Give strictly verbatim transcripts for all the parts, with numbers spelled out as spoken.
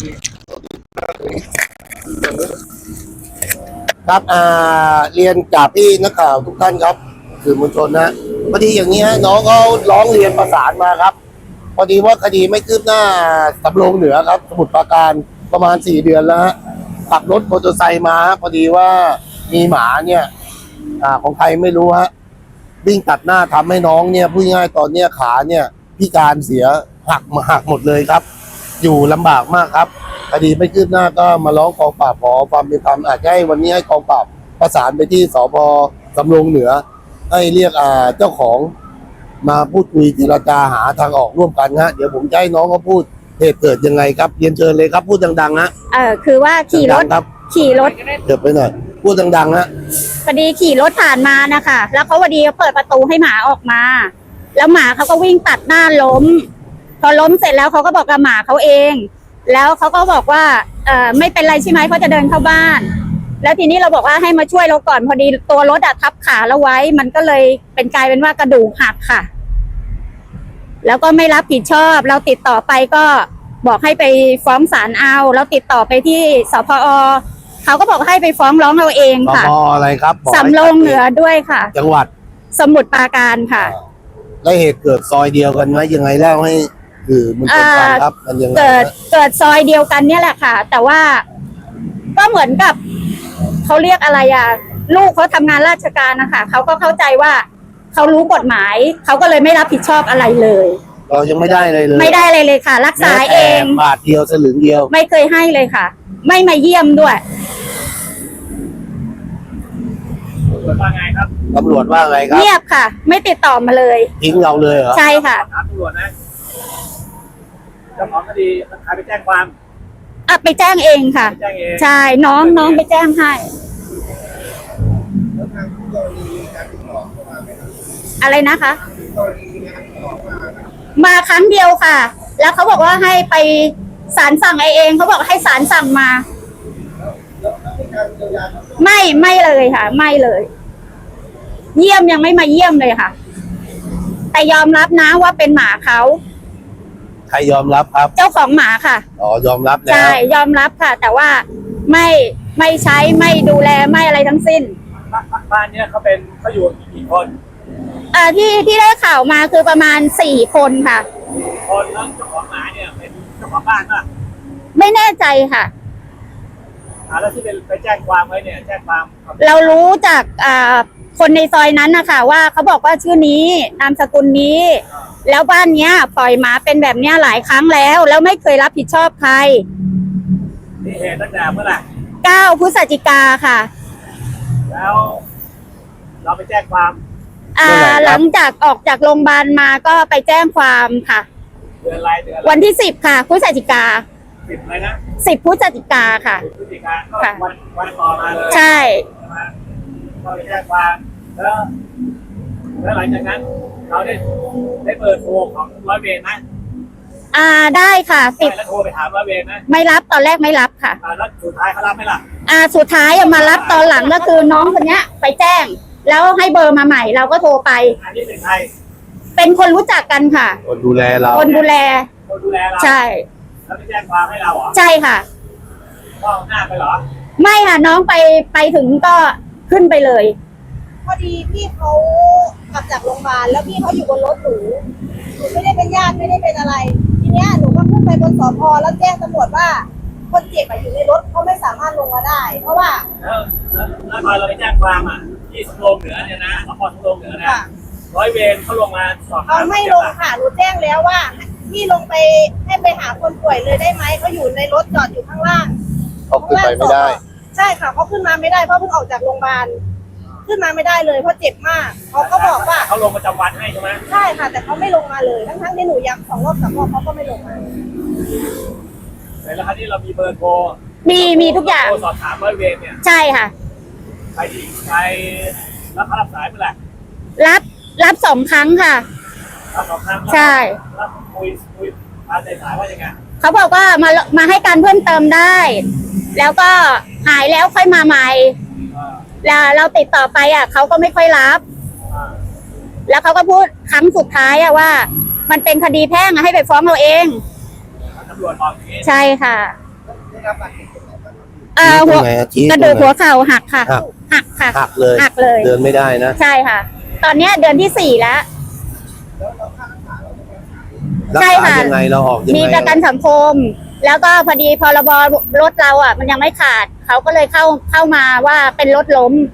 ครับอ่าเรียนจากพี่นักข่าวทุกท่านครับสื่อมวลชนนะพอดีอย่างนี้ฮะน้องเขาร้องเรียนประสานมาครับพอดีว่าคดีไม่คืบหน้าสำโรงเหนือครับสมุทรปราการประมาณสี่เดือนแล้วฮะขับรถมอเตอร์ไซค์มาพอดีว่ามีหมาเนี่ยอ่าของใครไม่รู้ฮะวิ่งตัดหน้าทำให้น้องเนี่ยพูดง่ายตอนเนี้ยขาเนี่ยพิการเสียหักมาหักหมดเลยครับอยู่ลำบากมากครับคดีไม่คืบหน้าก็มาร้องกองปราบขอความเป็นธรรมอาจจะให้วันนี้ให้กองปราบประสานไปที่สพสำโรงเหนือให้เรียกอ่าเจ้าของมาพูดคุยเจรจาหาทางออกร่วมกันฮะเดี๋ยวผมจะให้น้องเขาพูดเหตุเกิดยังไงครับเรียนเชิญเลยครับพูดดังๆฮะเออคือว่าขี่รถครับขี่รถเดี๋ยวไปหน่อยพูดดังๆฮะพอดีขี่รถผ่านมานะคะแล้วเขาพอดีเปิดประตูให้หมาออกมาแล้วหมาเขาก็วิ่งตัดหน้าล้มพอล้มเสร็จแล้วเขาก็บอกกับหมาเขาเองแล้วเขาก็บอกว่าเออไม่เป็นไรใช่ไหมเขาจะเดินเข้าบ้านแล้วทีนี้เราบอกว่าให้มาช่วยเราก่อนพอดีตัวรถอะทับขาเราไว้มันก็เลยเป็นกลายเป็นว่ากระดูกหักค่ะแล้วก็ไม่รับผิดชอบเราติดต่อไปก็บอกให้ไปฟ้องศาลเอาเราติดต่อไปที่สพอเขาก็บอกให้ไปฟ้องร้องเราเองค่ะสพอะไรครับสำโรงเหนือด้วยค่ะจังหวัดสมุทรปราการค่ะแล้วเหตุเกิดซอยเดียวกันไหมยังไงเล่าให้คือมันเป็นการครับมันยังไงเกิดเกิดซอยเดียวกันเนี่ยแหละค่ะแต่ว่าก็เหมือนกับเขาเรียกอะไรอ่ะลูกเขาทำงานราชการนะคะเขาก็เข้าใจว่าเขารู้กฎหมายเขาก็เลยไม่รับผิดชอบอะไรเลยเรายังไม่ได้เลยเลยไม่ได้เลยเลยค่ะรักษาเองบาทเดียวสลึงเดียวไม่เคยให้เลยค่ะไม่มาเยี่ยมด้วยตำรวจว่าไงครับตำรวจว่าไงครับเงียบค่ะไม่ติดต่อมาเลยทิ้งเราเลยเหรอใช่ค่ะถามตำรวจนะเจ้าของคดีใครไปแจ้งความอ่ะไปแจ้งเองค่ะใช่น้องน้องไปแจ้งให้อะไรนะคะมาครั้งเดียวค่ะแล้วเขาบอกว่าให้ไปศาลสั่งเองเขาบอกให้ศาลสั่งมาไม่ไม่เลยค่ะไม่เลยเยี่ยมยังไม่มาเยี่ยมเลยค่ะแต่ยอมรับนะว่าเป็นหมาเขาใครยอมรับครับเจ้าของหมาค่ะอ๋อยอมรับแล้วใช่ยอมรับค่ะแต่ว่าไม่ไม่ใช้ไม่ดูแลไม่อะไรทั้งสิ้นบ้านเนี้ยเขาเป็นเขาอยู่กี่คนอ่าที่ที่ได้ข่าวมาคือประมาณสี่คนค่ะคนแล้วเจ้าของหมาเนี่ยเป็นเจ้าของบ้านป่ะไม่แน่ใจค่ะอ่าแล้วที่เป็นไปแจ้งความไว้เนี่ยแจ้งความเรารู้จากอ่าคนในซอยนั้นนะคะว่าเขาบอกว่าชื่อนี้นามสกุลนี้แล้วบ้านเนี้ยปล่อยหมาเป็นแบบเนี้ยหลายครั้งแล้วแล้วไม่เคยรับผิดชอบใครนี่เหตุตั้งแต่เมื่อไหร่เก้าพฤศจิกาค่ะแล้วเราไปแจ้งความอ่าหลังจากออกจากโรงพยาบาลมาก็ไปแจ้งความค่ะเดือนอะไรเดือนวันที่สิบค่ะพฤศจิกาสิบอะไรนะสิบพฤศจิกาค่ะพฤศจิกาค่ะวันวันต่อมาเลยใช่เราไปแจ้งความแล้วแล้วหลังจากนั้นเราได้ได้เบอร์โทรของร้อยเวรไหมอ่าได้ค่ะติดแล้วโทรไปถามร้อยเวรไหมไม่รับตอนแรกไม่รับค่ะอ่าแล้วสุดท้ายเขารับไหมล่ะอ่าสุดท้ายมารับตอนหลังก็คือน้องคนเนี้ยไปแจ้งแล้วให้เบอร์มาใหม่เราก็โทรไปอันนี้เป็นใครเป็นคนรู้จักกันค่ะคนดูแลเราคนดูแลคนดูแลเราใช่แล้วไปแจ้งความให้เราเหรอใช่ค่ะก็หน้าไปเหรอไม่ค่ะน้องไปไปถึงก็ขึ้นไปเลยพอดีพี่เขากลับจากโรงพยาบาลแล้วพี่เขาอยู่บนรถหนูหนูไม่ได้เป็นญาติไม่ได้เป็นอะไรทีเนี้ยหนูก็ขึ้นไปบนสพแล้วแจ้งตำรวจว่าคนเจ็บอยู่ในรถเขาไม่สามารถลงมาได้เพราะว่าแล้วแล้วพอเราไปแจ้งความอ่ะที่สำโรงเหนือเนี่ยนะสพสำโรงเหนือนะร้อยเวรเขาลงมาสอบเขาไม่ลงค่ะหนูแจ้งแล้วว่าพี่ลงไปให้ไปหาคนป่วยเลยได้ไหมเขาอยู่ในรถจอดอยู่ข้างล่างเขาขึ้นไปไม่ได้ใช่ค่ะเขาขึ้นมาไม่ได้เพราะเพิ่งออกจากโรงพยาบาลขึ้นมาไม่ได้เลยเพราะเจ็บมากเขาก็บอกว่าเขาลงประจำวันให้ใช่ไหมใช่ค่ะแต่เขาไม่ลงมาเลยทั้งทั้งที่หนูย้ำสองรอบสามรอบเขาก็ไม่ลงมาแล้วคราวนี้เรามีเบอร์โทรมีมีทุกอย่างสอบถามร้อยเวรเนี่ยใช่ค่ะใครดีใครรับรับสายเมื่อไหร่รับรับสองครั้งค่ะรับสองครั้งใช่รับคุยคุยมาในสายว่ายังไงเขาบอกว่ามามาให้การเพิ่มเติมได้แล้วก็หายแล้วค่อยมาใหม่แล้วเราติดต่อไปอ่ะเขาก็ไม่ค่อยรับแล้วเขาก็พูดครั้งสุดท้ายอ่ะว่ามันเป็นคดีแพ่งให้ไปฟ้องเราเองตำรวจบอกอย่างนี้ใช่ค่ะเอ่อหัวตรงไหนอะชี้กระดูกตรงไหนหัวเข่าหักค่ะหักหักค่ะหักเลยหักเลยเดินไม่ได้นะใช่ค่ะ ตอนเนี้ยเดือนที่สี่แล้วรักใช่ษาค่ะยังไงเราออกยังมีไงประกันสังคม แล้วก็พอดีพรบรถเราอ่ะ มันยังไม่ขาด เขาก็เลยเข้าเข้ามาว่าเป็นรถล้ม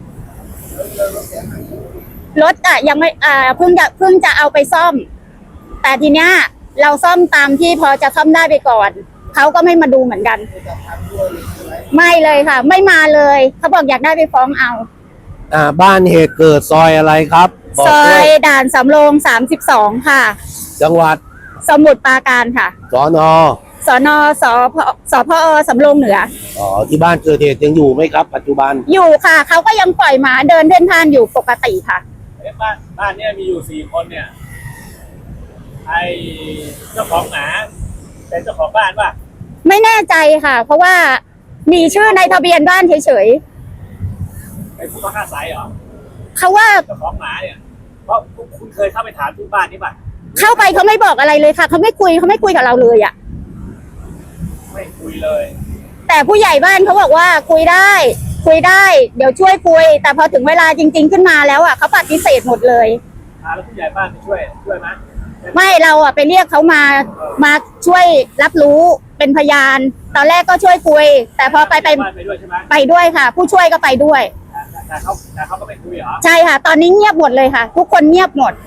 รถอ่ะยังไม่อ่าเพิ่งจะเพิ่งจะเอาไปซ่อม แต่ทีเนี้ยเราซ่อมตามที่พอจะซ่อมได้ไปก่อน เขาก็ไม่มาดูเหมือนกัน ไม่เลยค่ะ ไม่มาเลย เขาบอกอยากได้ไปฟ้องเอาอ่าบ้านเหตุเกิดซอยอะไรครับบอซกอด้วย ยด่านสำโรงสามสิบสองค่ะจังหวัดสมุทรปราการค่ะสอนอสนสพสพอสำโรงเหนืออ๋อที่บ้านเกิดเหตุยังอยู่ไหมครับ ปัจจุบันอยู่ค่ะ เขาก็ยังปล่อยหมาเดินเดินทางอยู่ปกติค่ะเอ๊ะบ้านบ้านเนี่ยมีอยู่สี่คนเนี่ยไอเจ้าของหมาเป็นเจ้าของบ้านป่ะไม่แน่ใจค่ะ เพราะว่ามีชื่อในทะเบียนบ้านเฉยเป็นผู้ต้องอาศัยเหรอๆเขาว่าเจ้าของหมาเนี่ยเพราะคุณเคยเข้าไปถามที่บ้านนี่ป่ะเข้าไปเขาไม่บอกอะไรเลยค่ะ เขาไม่คุยเขาไม่คุยกับเราเลยอะไม่คุยเลยแต่ผู้ใหญ่บ้านเขาบอกว่าคุยได้ คุยได้ เดี๋ยวช่วยคุย แต่พอถึงเวลาจริง ๆ ขึ้นมาแล้วอะเขาปฏิเสธหมดเลยอ่าแล้วผู้ใหญ่บ้านไปช่วยช่วยไหมไม่เราอะไปเรียกเขามามาช่วยรับรู้เป็นพยาน ตอนแรกก็ช่วยคุย แต่พอไปไปบ้านไปด้วยใช่ไหมไปด้วยค่ะ ผู้ช่วยก็ไปด้วยแต่แต่เขาแต่เขาก็ไม่คุยเหรอใช่ค่ะ ตอนนี้เงียบหมดเลยค่ะ ทุกคนเงียบหมด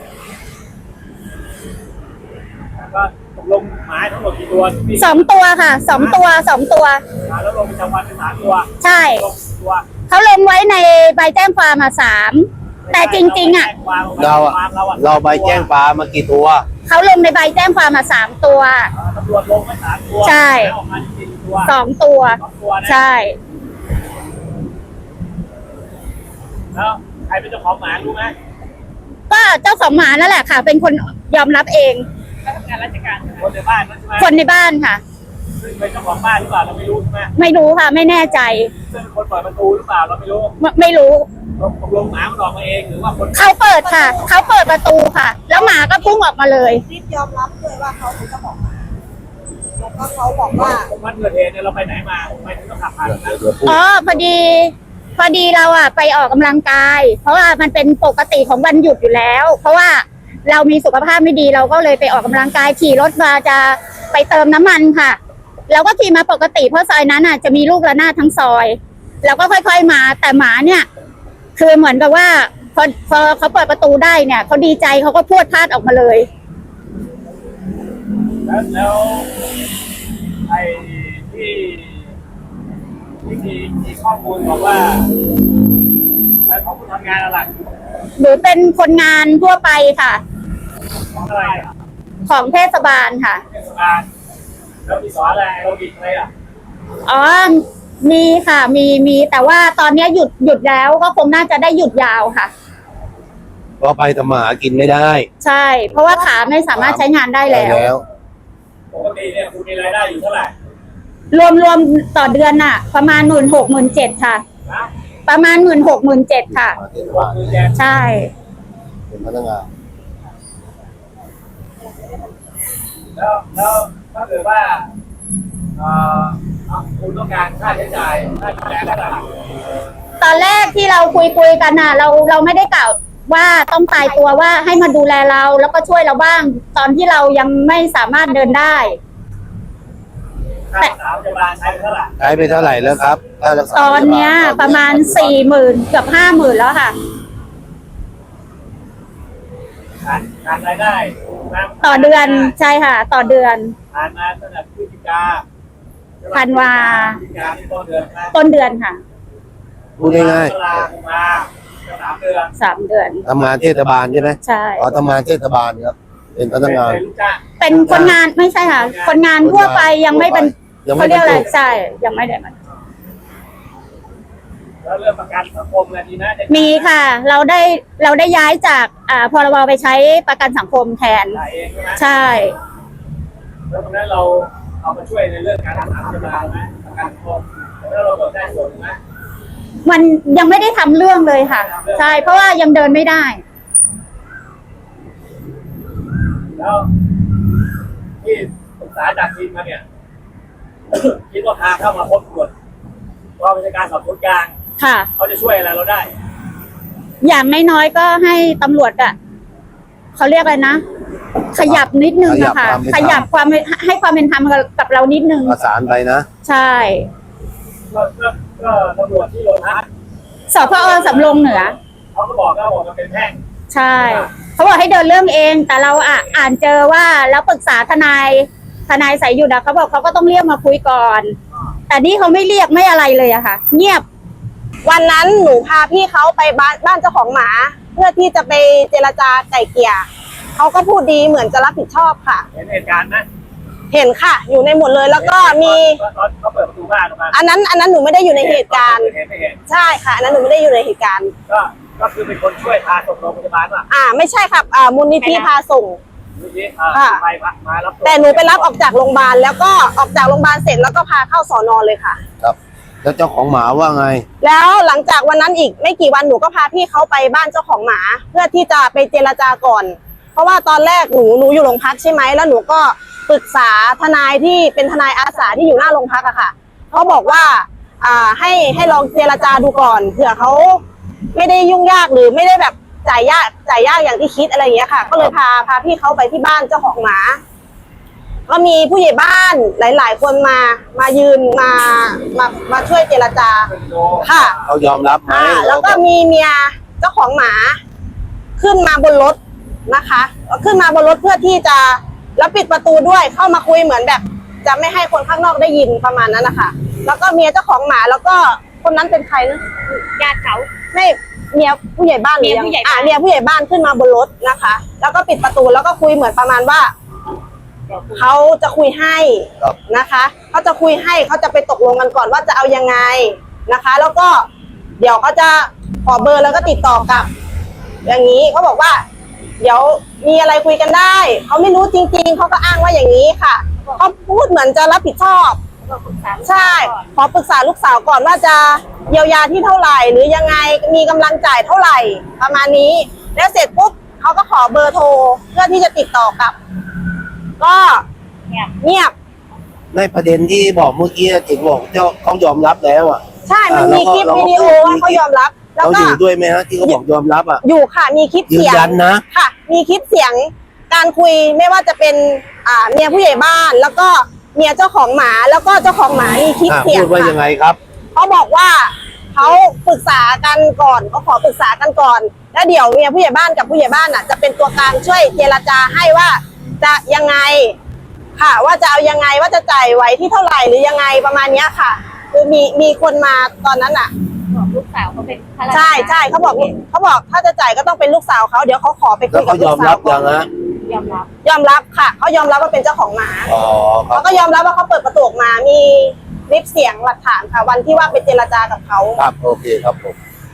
แล้วก็ตกลงหมาทั้งหมดกี่ตัวที่สองตัวค่ะสองตัวสองตัวอ่าแล้วลงประจำวันเป็นสามตัวใช่ลงกี่ตัวเขาลงไว้ในใบแจ้งความมาสามแต่จริง ๆ อ่ะเราอะเราใบแจ้งปลามากี่ตัวเขาลงในใบแจ้งความมาสามตัวอ่าตำรวจลงไปสามตัวใช่แล้วออกมาจริงๆตัวสองตัวสองตัวนะใช่แล้วใครเป็นเจ้าของหมารู้ไหมก็เจ้าของหมานั่นแหละค่ะ เป็นคนยอมรับเองเขาทำงานราชการคนในบ้านนั่นใช่ไหมคนในบ้านค่ะซึ่งเป็นเจ้าของบ้านหรือเปล่าเราไม่รู้ใช่ไหมไม่รู้ค่ะ ไม่แน่ใจซึ่งเป็นคนเปิดประตูหรือเปล่าเราไม่รู้ไม่ไม่รู้ตกลงหมามันออกมาเองหรือว่าคนเขาเปิดค่ะ เขาเปิดประตูค่ะ แล้วหมาก็พุ่งออกมาเลยรีบยอมรับเลยว่าเขาเป็นเจ้าของหมาแล้วก็เขาบอกว่าวันเกิดเหตุเนี่ยเราไปไหนมาไปถึงต้องขับผ่านนะเดี๋ยวพูดอ๋อพอดี พอดีเราอะไปออกกำลังกาย เพราะว่ามันเป็นปกติของวันหยุดอยู่แล้ว เพราะว่าเรามีสุขภาพไม่ดีเราก็เลยไปออกกำลังกายขี่รถมาจะไปเติมน้ำมันค่ะ เราก็ขี่มาปกติเพราะซอยนั้นอะจะมีลูกระนาดทั้งซอยเราก็ค่อยๆมาแต่หมาเนี่ย คือเหมือนกับว่าพอพอเขาเปิดประตูได้เนี่ยเขาดีใจเขาก็พรวดพลาดออกมาเลยแล้วแล้วไอ้ที่ที่มีมีข้อมูลบอกว่าไอ้ของคุณทำงานอะไรหรือเป็นคนงานทั่วไปค่ะของอะไรอ่ะของเทศบาลค่ะเทศบาลแล้วมีสอนอะไรเราบิดอะไรอ่ะอ๋อ มีค่ะ มี มี แต่ว่าตอนเนี้ยหยุด หยุดแล้วก็คงน่าจะได้หยุดยาวค่ะก็ไปทำมาหากินไม่ได้ใช่ เพราะว่าขาไม่สามารถใช้งานได้แล้วปกติเนี่ยคุณมีรายได้อยู่เท่าไหร่รวมรวมต่อเดือนน่ะ ประมาณหมื่นหกหมื่นเจ็ดค่ะนะประมาณหมื่นหกหมื่นเจ็ดค่ะมาเทศหบาก ลหมื่นเจ็ดใช่เป็นพนักงานแล้วแล้วถ้าเกิดว่าเอ่อคุณต้องการค่าใช้จ่ายค่าดูแลอะไรตอนแรกที่เราคุยคุยกันน่ะ เราเราไม่ได้กล่าวว่าต้องตายตัวว่าให้มาดูแลเราแล้วก็ช่วยเราบ้าง ตอนที่เรายังไม่สามารถเดินได้ค่ารักษาพยาบาลใช้ไปเท่าไหร่ใช้ไปเท่าไหร่แล้วครับค่ารักษาตอนเนี้ยพยาบาลประมาณสี่หมื่นเกือบห้าหมื่นแล้วค่ะขาดขาดรายได้นะต่อเดือนใช่ค่ะ ต่อเดือนผ่านมาตั้งแต่พฤศจิกาธันวาพฤศจิกาที่ต้นเดือนนะต้นเดือนค่ะพูดง่ายตุลาคมมาสามเดือนสามเดือนๆทำงานเทศบาลใช่ไหมใช่อ๋อทำงานเทศบาลครับ เป็นพนักงานเป็นลูกจ้างเป็นคนงานไม่ใช่ค่ะ คนงานทั่วไปยังไม่เป็นยังไม่เขาเรียกอะไรบรรจุใช่ยังไม่ได้มันแล้วเรื่องประกันสังคมอะไรดีนะจะมีค่ะ เราได้เราได้ย้ายจากอ่าพรบไปใช้ประกันสังคมแทนจ่ายเองใช่ไหมใช่แล้วตรงนั้นเราเอามาช่วยในเรื่องการรักษาพยาบาลไหมประกันสังคมแล้วเราเบิกได้ส่วนไหมมันยังไม่ได้ทำเรื่องเลยค่ะ ใช่ เพราะว่ายังเดินไม่ได้แล้วที่ศึกษาจากทีมมาเนี่ยคิดว่าพาเข้ามาพบตรวจกองบัญชาการสอบสวนกลางค่ะเขาจะช่วยอะไรเราได้อย่างน้อยๆก็ให้ตำรวจอะเขาเรียกอะไรนะ ขยับนิดนึงอะค่ะ ขยับความให้ความเป็นธรรมกับเรานิดนึงประสานไปนะใช่ก็ก็ก็ตำรวจที่โรงพักสพอสำโรงเหนือเขาก็บอกว่าบอกมันเป็นแพ่งใช่ เขาบอกให้เดินเรื่องเอง แต่เราอ่ะอ่านเจอว่าแล้วปรึกษาทนายทนายสายหยุดอะเขาบอกเขาก็ต้องเรียกมาคุยก่อน แต่นี่เขาไม่เรียกไม่อะไรเลยอะค่ะ เงียบวันนั้นหนูพาพี่เขาไปบ้านบ้านเจ้าของหมา เพื่อที่จะไปเจรจาไก่เกลี่ยเขาก็พูดดีเหมือนจะรับผิดชอบค่ะเห็นเหตุการณ์นะเห็นค่ะ อยู่ในหมดเลยแล้วก็มีตอนเขาเปิดประตูบ้านออกมาอันนั้นอันนั้นหนูไม่ได้อยู่ในเหตุการณ์เห็นไม่เห็นใช่ค่ะอันนั้นหนูไม่ได้อยู่ในเหตุการณ์ก็ก็คือเป็นคนช่วยพาส่งโรงพยาบาลว่ะอ่าไม่ใช่ครับอ่ามูลนิธิพาส่งเมื่อกี้อ่าค่ะไปมารับวแต่หนูไปรับออกจากโรงพยาบาลแล้วก็ออกจากโรงพยาบาลเสร็จแล้วก็พาเข้าสอนอเลยค่ะครับ แล้วเจ้าของหมาว่าไงแล้วหลังจากวันนั้นอีกไม่กี่วันหนูก็พาพี่เขาไปบ้านเจ้าของหมา เพื่อที่จะไปเจรจาก่อน เพราะว่าตอนแรกหนูหนูอยู่โรงพักใช่ไหมแล้วหนูก็ปรึกษาทนายที่เป็นทนายอาสาที่อยู่หน้าโรงพักอะค่ะเขาบอกว่าอ่าให้ให้ลองเจรจาดูก่อนเผื่อเขาไม่ได้ยุ่งยากหรือไม่ได้แบบจ่ายยากจ่ายยากอย่างที่คิดอะไรอย่างเงี้ยค่ะ ก็เลยพาพาพี่เขาไปที่บ้านเจ้าของหมา ก็มีผู้ใหญ่บ้านหลาย ๆ คนมามายืนมามามาช่วยเจรจาค่ะเขายอมรับไหมอ่าแล้วก็มีเมียเจ้าของหมาขึ้นมาบนรถนะคะขึ้นมาบนรถเพื่อที่จะแล้วปิดประตูด้วยเข้ามาคุยเหมือนแบบ จะไม่ให้คนข้างนอกได้ยินประมาณนั้นนะคะแล้วก็เมียเจ้าของหมาแล้วก็คนนั้นเป็นใครนะญาติเขาไม่เมียผู้ใหญ่บ้านหรือยังอ่าเมียผู้ใหญ่บ้านขึ้นมาบนรถนะคะ แล้วก็ปิดประตูแล้วก็คุยเหมือนประมาณว่าเขาจะคุยให้ครับนะคะเขาจะคุยให้เขาจะไปตกลงกันก่อนว่าจะเอายังไงนะคะ แล้วก็เดี๋ยวเขาจะขอเบอร์แล้วก็ติดต่อกับ อย่างนี้เขาบอกว่า เดี๋ยวมีอะไรคุยกันได้เขาไม่รู้จริงๆเขาก็อ้างว่าอย่างนี้ค่ะเขาพูดเหมือนจะรับผิดชอบใช่ขอปรึกษาลูกสาวก่อนว่าจะเยียวยาที่เท่าไหร่หรือยังไงมีกำลังจ่ายเท่าไหร่ประมาณนี้ แล้วเสร็จปุ๊บเขาก็ขอเบอร์โทรเพื่อที่จะติดต่อกับ ก็เงียบในประเด็นที่บอกเมื่อกี้ถึงบอกเจ้าเขายอมรับแล้วอ่ะใช่มันมีคลิปวิดีโอว่าเขายอมรับ แล้วเขาอก็ยู่ด้วยไหมฮะที่เขาบอกยอมรับอ่ะอยู่ค่ะมีคลิปยืนเสียงยันนะค่ะ มีคลิปเสียงการคุยไม่ว่าจะเป็นอ่าเมียผู้ใหญ่บ้าน แล้วก็เมียเจ้าของหมาแล้วก็เจ้าของหมามีคลิปอ่ะเสียงพูดว่ายังไงค่ะครับเขาบอกว่าเขาปรึกษากันก่อนเขาขอปรึกษากันก่อน แล้วเดี๋ยวเมียผู้ใหญ่บ้านกับผู้ใหญ่บ้านอ่ะจะเป็นตัวกลางช่วยเจรจาให้ว่าจะยังไงค่ะ ว่าจะเอายังไงว่าจะจ่ายไว้ที่เท่าไหร่หรือยังไงประมาณเนี้ยค่ะ คือมีมีคนมาตอนนั้นอ่ะลูกสาวเขาเป็นข้าราชการใช่ใช่เขาบอกเขาบอกถ้าจะจ่ายก็ต้องเป็นลูกสาวเขาเดี๋ยวเขาขอไปคุแล้วยกัเขาบยลูอก มสารัวบก่อยันงฮะยอมรับยอมรับค่ะเขายอมรับว่าเป็นเจ้าของหมาอ๋อครัเขาบก็ยอมรับว่าเขาเปิดประตูออกมามีคลิปเสียงหลักฐานค่ะ วันที่ว่าไปเจรจากับเขาครับโอเคครับผม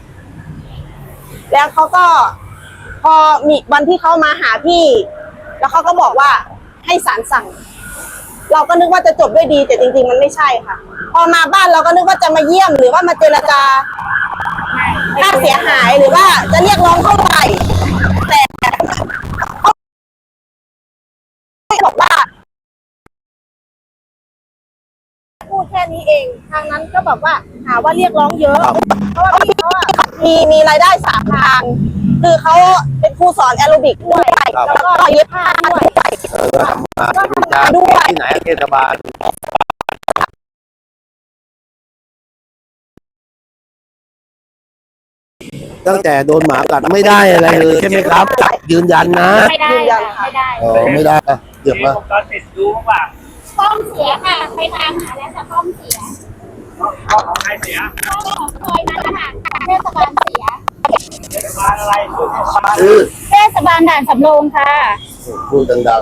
แล้วเขาก็พอมีวันที่เขามาหาพี่ แล้วเขาก็บอกว่าให้ศาลสั่ง เราก็นึกว่าจะจบด้วยดีแต่จริงๆมันไม่ใช่ค่ะ พอมาบ้านเราก็นึกว่าจะมาเยี่ยมหรือว่ามาเจรจาค่าเสียหายหรือว่าจะเรียกร้องเท่าไหร่แต่เขาบอกว่าพูดแค่นี้เองทางนั้นก็แบบว่าหาว่าเรียกร้องเยอะ เพราะว่าพี่เขาอะมีมีรายได้สามทาง คือเขาเป็นครูสอนแอโรบิกด้วยแล้วก็เย็บผ้าด้วยเออก็ทำงานเป็นจ้างที่ไหนเทศบาลตั้งแต่โดนหมากัดไม่ได้อะไรเลยใช่ไหมครับ ยืนยันนะไม่ได้ยืนยันค่ะไม่ได้อ๋อไม่ได้อ่ะเดี๋ยวมีมาวงจรปิดดูบ้างกล้องเสียค่ะไปตามหาแล้วแต่กล้องเสียว่าของใครเสียกล้องของซอยนั้นนะคะเทศบาลเสียเทศบาลอะไรชื่อเทศบาลคือเทศบาลด่านสำโรงค่ะพูดดัง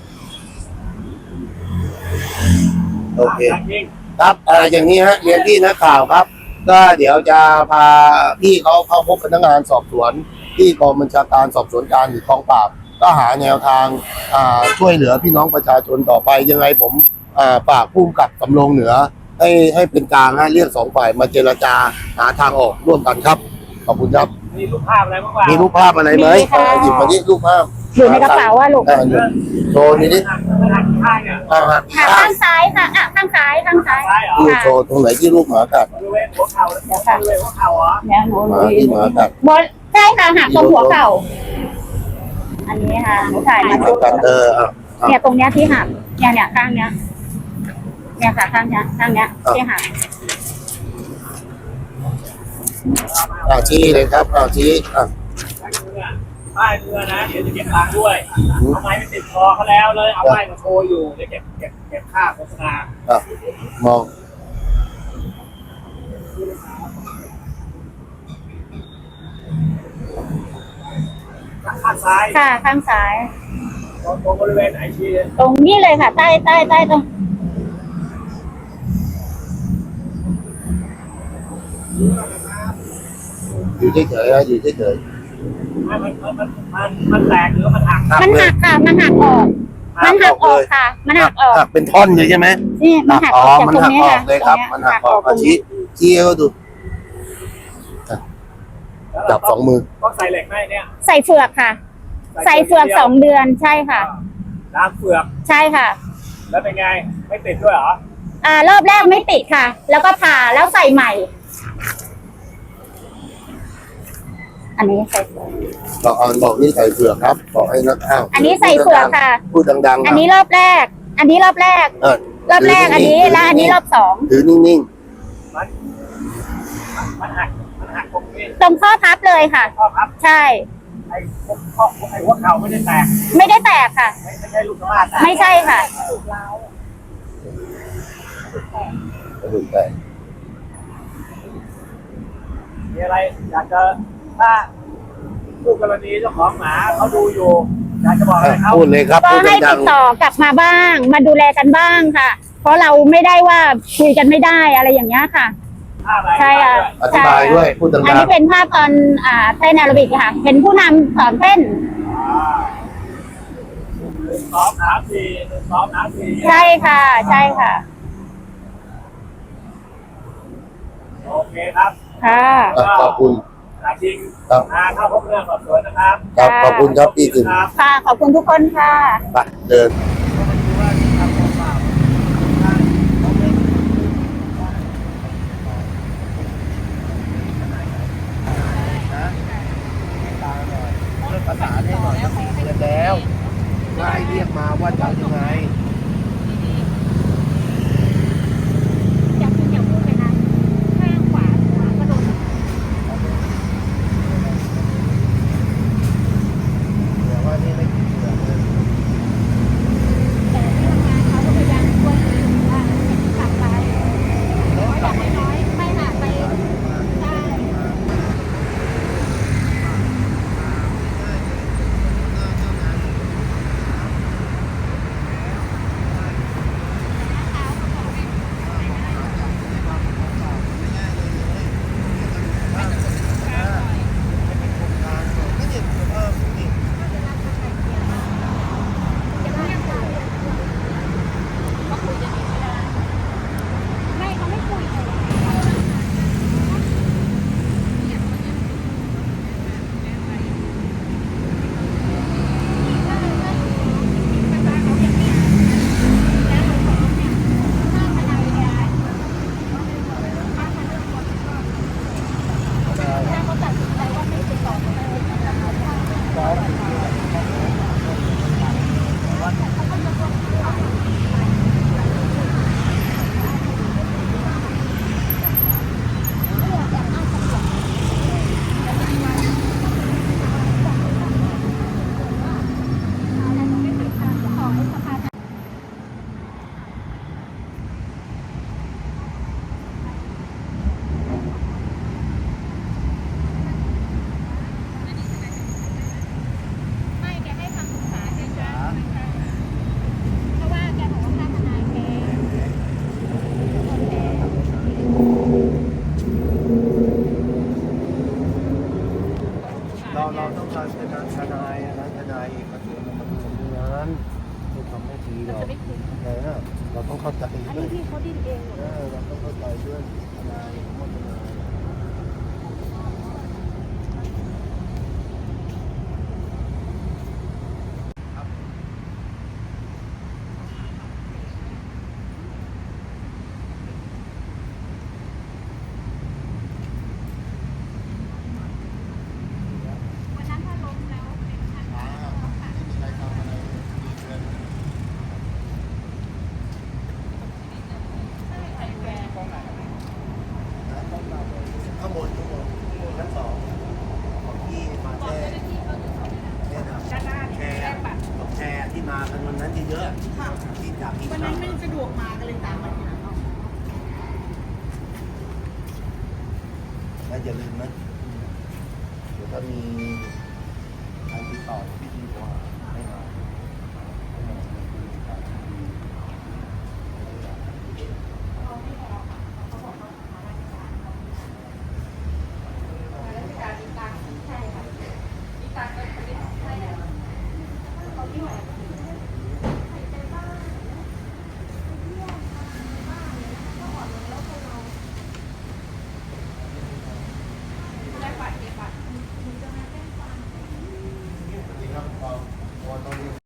ๆโอเคจริงครับเอ่ออย่างนี้ฮะเรียนพี่นักข่าวครับ ก็เดี๋ยวจะพาพี่เขาเข้าพบพนักงานสอบสวน ที่กองบัญชาการสอบสวนกลางหรือกองปราบ ก็หาแนวทางอ่าช่วยเหลือพี่น้องประชาชนต่อไปยังไงผมอ่าฝากผู้กำกับสำโรงเหนือ ให้ให้เป็นกลางฮะเรียกสองฝ่ายมาเจรจาหาทางออกร่วมกันครับขอบคุณครับมีรูปภาพอะไรบ้างวะมีรูปภาพอะไรไหมมีค่ะอ่าหยิบมาที่รูปภาพอยู่ในกระเป๋าว่าลูกอ่าหยิบโชว์นี่ดิในมันหักข้างเนี่ยอ่าฮะค่ะข้างซ้ายค่ะอ่ะข้างซ้ายข้างซ้ายซ้ายเหรอดูโชว์ตรงไหนที่ลูกหมากัดบริเวณหัวเข่าบริเวณหัวเข่าเหรอเนี่ยหนูหมาที่หมากัดบนใช่ค่ะหักตรงหัวเข่า อันนี้ค่ะหนูถ่ายหมามากัดเอออ่ะอ่ะเนี่ยตรงเนี้ยที่หักเนี่ยเนี่ยข้างเนี้ยเนี่ยค่ะข้างเนี้ยข้างเนี้ยที่หักอ่ะชี้เลยครับอ่ะชี้อ่ะป้ายเรือนะเดี๋ยวจะเก็บตังค์ด้วยเอาไม้ไปติดคอเขาแล้วเลยเอาป้ายมาโชว์อยู่เดี๋ยวเก็บเก็บเก็บค่าโฆษณาอ่ะมองข้างซ้ายค่ะข้างซ้ายตรงบริเวณไหนชี้ตรงนี้เลยค่ะ ใต้ใต้ใต้ตรงอยู่เฉยๆอ่ะอยู่เฉยมันมันมันมันมันแตกหรือมันหักๆหักมันเลหัยกค่ะ มันหักออก มันหักออกค่ะ มันหักออกหักเป็นท่อนเลยใช่ไหมนี่มันหักออกจากมันตรงหักนี้ออค่ะกเลยครับ มันหักออกตรอ่ะงชี้นี้ชี้ให้เขาดูจับสองมือต้องใส่เหล็กไหมเนี่ยใส่เฟือกค่ะ ใส่เฟือกสองเดือนใช่ค่ะล้างเฟือกใช่ค่ะแล้วเป็นไงไม่ติดด้วยเหรออ่ารอบแรกไม่ติดค่ะ แล้วก็ผ่าแล้วใส่ใหม่ อันนี้ใส่เฟือกบอกอ่านบอกนี่ใส่เฟือกครับบอกให้นักข่าวอันนี้ใส่เฟือกค่ะพูดดังๆอันนี้รอบแรก อันนี้รอบแรกเออรอบแรกอันนี้แล้วอันนี้รอบสองถือนิ่งมันมันหักมันหักตรงนี้ตรงข้อพับเลยค่ะข้อพับใช่ไอ้ข้อไอ้หัวเข่าไม่ได้แตกไม่ได้แตกค่ะไม่ไม่ใช่ลูกสะบ้าแตกไม่ใช่ค่ะๆกระดูกแตกมีอะไรอยากจะถ้าผู้กรณีเจ้าของหมาเขาดูอยู่อยากจะบอกอะไรเขาพูดเลยครับก็พูดให้ดัติงดต่อกลับมาบ้าง มาดูแลกันบ้างค่ะ เพราะเราไม่ได้ว่าคุยกันไม่ได้อะไรอย่างเงี้ยค่ะถ้าอะไรใช่ค่ะๆอธิบายด้วยพูดดังอันนี้เป็นภาพตอนอ่าเต้นแอโรบิกค่ะ เป็นผู้นำสอนเต้นอ่าหนึ่งสองสามสี่หนึ่งสองสามสี่ใช่ค่ะ ใช่ค่ะโอเคครับค่ะๆอ่ะขอบคุณอาจริงครับมาเข้าพบเรื่องสอบสวนนะครับครับขอบคุณครับพี่ถึงครับค่ะ ขอบคุณทุกคนค่ะไปเดิน ประสานให้หน่อยครับเรียนแล้วว่าให้เรียกมาว่าจะยังไงอย่าพูดอย่าพูดเลยนะข้างขวาขวากระโดดเดี๋ยวว่านี่ไม่กินเสือเลยแต่ที่ทำงานเขาก็พยายามช่วยว่าจะกลับไปเพราะอย่างน้อยๆไม่หาไปได้ ไม่เขาไม่คุยเลยไม่แกให้คำปรึกษาแกจ้าเพราะว่าแกบอกว่าค่าทนายแกเราเราต้องการเป็นทนายนะทนายเอกชนมาดูตรงนั้นไม่ทำไม่ดีหรอกแต่เราต้องเข้าใจอันด้วนี้ยพี่เขาดิ้นเองเหรอเออเราต้องเข้าใจด้วยทนายเข้าทนายเยอะที่จากที่วันนั้นไม่สะดวกมาก็เลยตามมาทีหลังแล้วอย่าลืมนะเดี๋ยวถ้ามีใครติดต่อพี่ดีกว่า